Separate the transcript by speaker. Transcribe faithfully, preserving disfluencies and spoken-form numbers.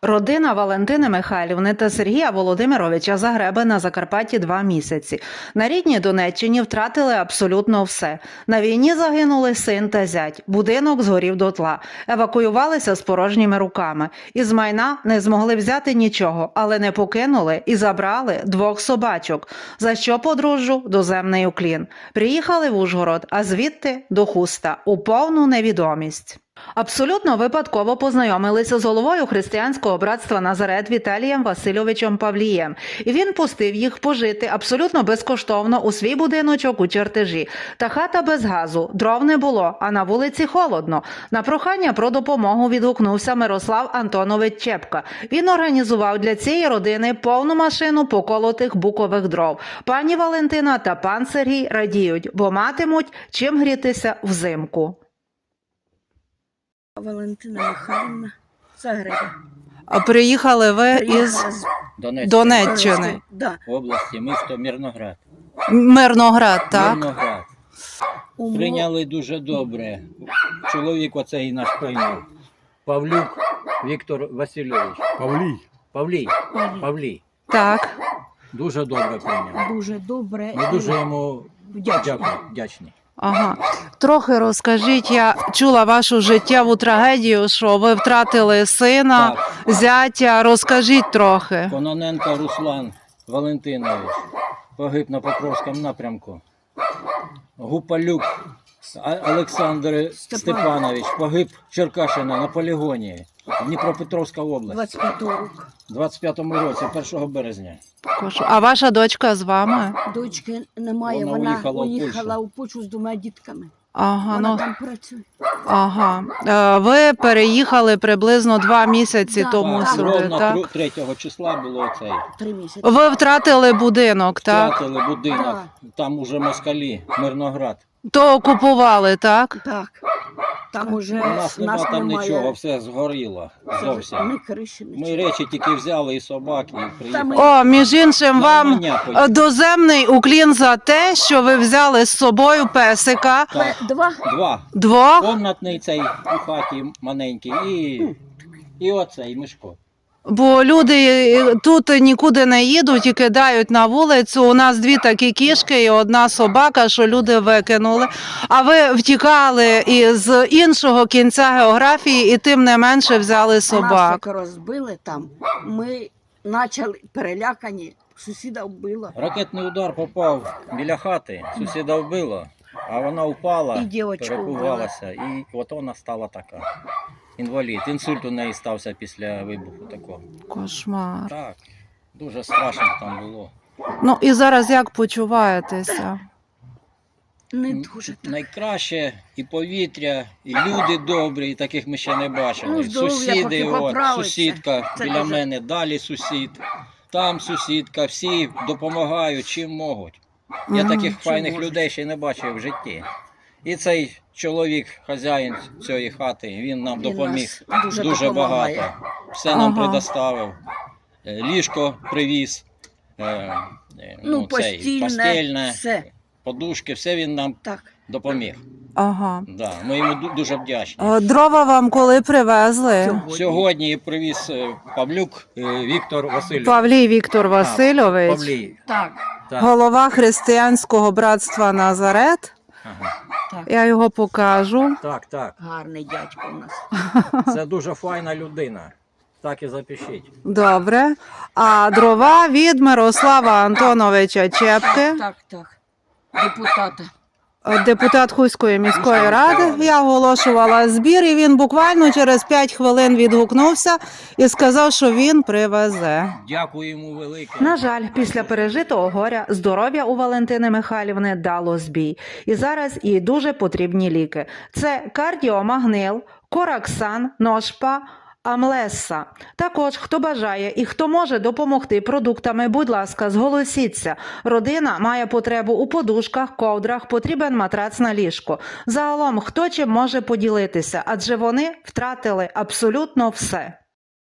Speaker 1: Родина Валентини Михайлівни та Сергія Володимировича Загреби на Закарпатті два місяці. На рідній Донеччині втратили абсолютно все. На війні загинули син та зять. Будинок згорів дотла. Евакуювалися з порожніми руками. Із майна не змогли взяти нічого, але не покинули і забрали двох собачок. За що подружжю доземний уклін. Приїхали в Ужгород, а звідти до Хуста у повну невідомість. Абсолютно випадково познайомилися з головою християнського братства Назарет Віталієм Васильовичем Павлієм. І він пустив їх пожити абсолютно безкоштовно у свій будиночок у Чертежі. Та хата без газу, дров не було, а на вулиці холодно. На прохання про допомогу відгукнувся Мирослав Антонович Чепка. Він організував для цієї родини повну машину поколотих букових дров. Пані Валентина та пан Сергій радіють, бо матимуть чим грітися взимку.
Speaker 2: Валентина Михайлівна Загреба.
Speaker 1: А приїхали ви із
Speaker 2: з
Speaker 3: Донецької
Speaker 1: Донеччини,
Speaker 2: да.
Speaker 3: області, місто Мирноград.
Speaker 1: Мирноград, так?
Speaker 3: Мирноград.
Speaker 2: У
Speaker 3: Прийняли дуже добре. Чоловік оцей наш прийняв. Павлюк Віктор Васильович.
Speaker 4: Павлій.
Speaker 3: Павлій.
Speaker 2: Павлій.
Speaker 3: Павлій.
Speaker 1: Так.
Speaker 3: Дуже добре прийняв.
Speaker 2: дуже добре.
Speaker 3: Ми дуже йому
Speaker 2: Вдячні.
Speaker 3: дякую, вдячні.
Speaker 1: Ага. Трохи розкажіть, я чула вашу життєву трагедію, що ви втратили сина,
Speaker 3: Так.
Speaker 1: зятя. Розкажіть трохи.
Speaker 3: Кононенко Руслан Валентинович погиб на Покровському напрямку. Гупалюк А- Олександр Степанович погиб в Черкащині на полігоні. Дніпропетровська область.
Speaker 2: двадцять п'ятого року.
Speaker 3: У двадцять п'ятому році, першого березня.
Speaker 1: А ваша дочка з вами?
Speaker 2: Дочки немає,
Speaker 3: Вона
Speaker 2: вона,
Speaker 3: уїхала в
Speaker 2: уїхала
Speaker 3: Польщу.
Speaker 2: у Польщу з двома дітками.
Speaker 1: Ага,
Speaker 2: Вона
Speaker 1: ну,
Speaker 2: там працює.
Speaker 1: ага. Е, Ви переїхали приблизно два місяці
Speaker 2: Да,
Speaker 1: тому
Speaker 2: так.
Speaker 1: сюди,
Speaker 3: Ровно
Speaker 1: так?
Speaker 3: тру- третього числа було цей.
Speaker 2: Три місяці.
Speaker 1: Ви втратили будинок, так?
Speaker 3: Втратили будинок, там уже москалі, Мирноград.
Speaker 1: То окупували, так?
Speaker 2: Так. Там уже
Speaker 3: У нас нема
Speaker 2: нас
Speaker 3: там
Speaker 2: немає.
Speaker 3: нічого, все згоріло зовсім.
Speaker 2: Ні криші,
Speaker 3: Ми
Speaker 2: нічого.
Speaker 3: речі тільки взяли і собак, і приїхали.
Speaker 1: О, між іншим, вам
Speaker 3: Нормання
Speaker 1: е,
Speaker 3: потім.
Speaker 1: доземний уклін за те, що ви взяли з собою песика.
Speaker 3: Так,
Speaker 2: Два.
Speaker 3: два.
Speaker 1: Двох.
Speaker 3: Комнатний цей у хаті маленький і, і оцей Мишко.
Speaker 1: Бо люди тут нікуди не їдуть і кидають на вулицю. У нас дві такі кішки і одна собака, що люди викинули. А ви втікали із іншого кінця географії і тим не менше взяли
Speaker 2: Нас
Speaker 1: собак.
Speaker 2: як розбили там. Ми почали перелякані. Сусіда вбило.
Speaker 3: Ракетний удар попав біля хати, сусіда вбило, а вона впала,
Speaker 2: І дівочку
Speaker 3: перепугалася, і от вона стала така. Інвалід. Інсульт у неї стався після вибуху такого.
Speaker 1: Кошмар.
Speaker 3: Так, дуже страшно там було.
Speaker 1: Ну і зараз як почуваєтеся?
Speaker 2: Не дуже так.
Speaker 3: Найкраще і повітря, і люди добрі, і таких ми ще не бачили.
Speaker 2: Ну, здоров'я
Speaker 3: Сусіди,
Speaker 2: поки
Speaker 3: от,
Speaker 2: поправиться.
Speaker 3: сусідка
Speaker 2: Це
Speaker 3: біля
Speaker 2: дуже-
Speaker 3: мене, далі сусід, там сусідка, всі допомагають, чим можуть. Я
Speaker 1: Мгм.
Speaker 3: таких
Speaker 2: Чим
Speaker 3: файних
Speaker 2: можуть.
Speaker 3: людей ще не бачив в житті. І цей чоловік, хазяїн цієї хати, він нам
Speaker 2: Він
Speaker 3: допоміг
Speaker 2: нас дуже
Speaker 3: дуже
Speaker 2: допомагає.
Speaker 3: багато. Все нам
Speaker 1: Ага.
Speaker 3: предоставив. Е, Ліжко привіз, е, е,
Speaker 2: Ну,
Speaker 3: цей,
Speaker 2: постільне,
Speaker 3: постільне,
Speaker 2: все.
Speaker 3: подушки, все він нам
Speaker 2: Так.
Speaker 3: допоміг.
Speaker 1: Ага.
Speaker 3: Да, ми йому ду- дуже вдячні.
Speaker 1: Е, Дрова вам коли привезли?
Speaker 2: Сьогодні.
Speaker 3: Сьогодні привіз е, Павлюк е, Віктор Васильович.
Speaker 1: Павлій Віктор Васильович,
Speaker 3: Павлій.
Speaker 2: Так.
Speaker 3: Так.
Speaker 1: голова християнського братства Назарет.
Speaker 3: Ага.
Speaker 2: Так.
Speaker 1: Я його покажу.
Speaker 3: Так, так.
Speaker 2: Гарний дядько у нас.
Speaker 3: Це дуже файна людина. Так і запишіть.
Speaker 1: Добре. А дрова від Мирослава Антоновича Чепки,
Speaker 2: Так, так. Депутата.
Speaker 1: депутат Хуської міської ради. Я оголошувала збір, і він буквально через п'ять хвилин відгукнувся і сказав, що він привезе.
Speaker 3: Дякую йому велике.
Speaker 1: На жаль, після пережитого горя здоров'я у Валентини Михайлівни дало збій. І зараз їй дуже потрібні ліки. Це кардіомагнил, кораксан, ношпа, Амлеса. Також, хто бажає і хто може допомогти продуктами, будь ласка, зголосіться. Родина має потребу у подушках, ковдрах, потрібен матрац на ліжко. Загалом, хто чим може поділитися, адже вони втратили абсолютно все.